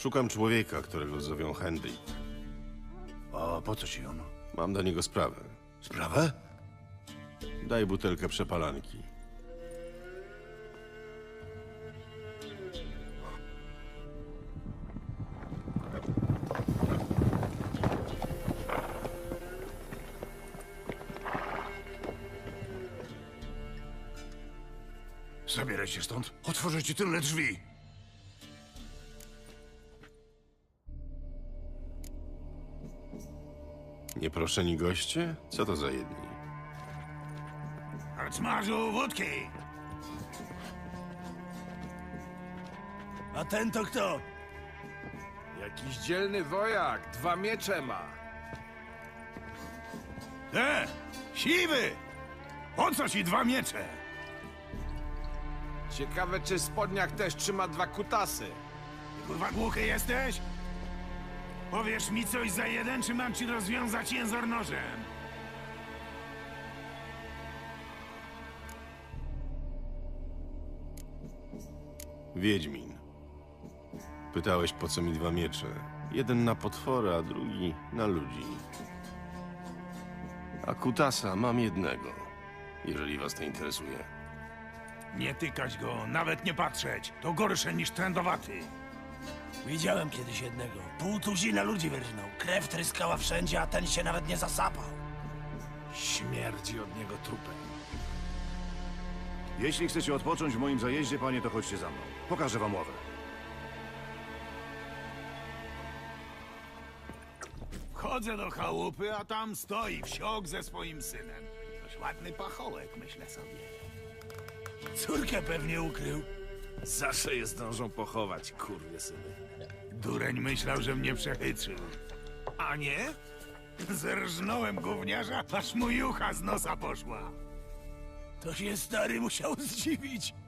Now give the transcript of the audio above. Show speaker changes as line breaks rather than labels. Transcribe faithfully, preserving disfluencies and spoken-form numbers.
Szukam człowieka, którego zowią Henry.
A po co ci on?
Mam do niego sprawę.
Sprawę?
Daj butelkę przepalanki.
Zabieraj się stąd. Otworzę ci tylne drzwi.
Nieproszeni goście? Co to za jedni?
Harcmarzu, wódki! A ten to kto?
Jakiś dzielny wojak, dwa miecze ma.
E! Siwy! Po co ci dwa miecze?
Ciekawe, czy w spodniach też trzyma dwa kutasy.
Kurwa głuchy jesteś? Powiesz mi coś za jeden, czy mam ci rozwiązać jęzor nożem?
Wiedźmin. Pytałeś, po co mi dwa miecze. Jeden na potwora, a drugi na ludzi. A kutasa mam jednego, jeżeli was to interesuje.
Nie tykać go, nawet nie patrzeć. To gorsze niż trędowaty.
Widziałem kiedyś jednego. Pół tuzina ludzi wyrżnął. Krew tryskała wszędzie, a ten się nawet nie zasapał.
Śmierdzi od niego trupem.
Jeśli chcecie odpocząć w moim zajeździe, panie, to chodźcie za mną. Pokażę wam ławę.
Wchodzę do chałupy, a tam stoi wsiok ze swoim synem. Dość ładny pachołek, myślę sobie.
Córkę pewnie ukrył.
Zawsze je zdążą pochować, kurwysyny.
Dureń myślał, że mnie przechytrzył. A nie? Zerżnąłem gówniarza, aż mu jucha z nosa poszła.
To się stary musiał zdziwić.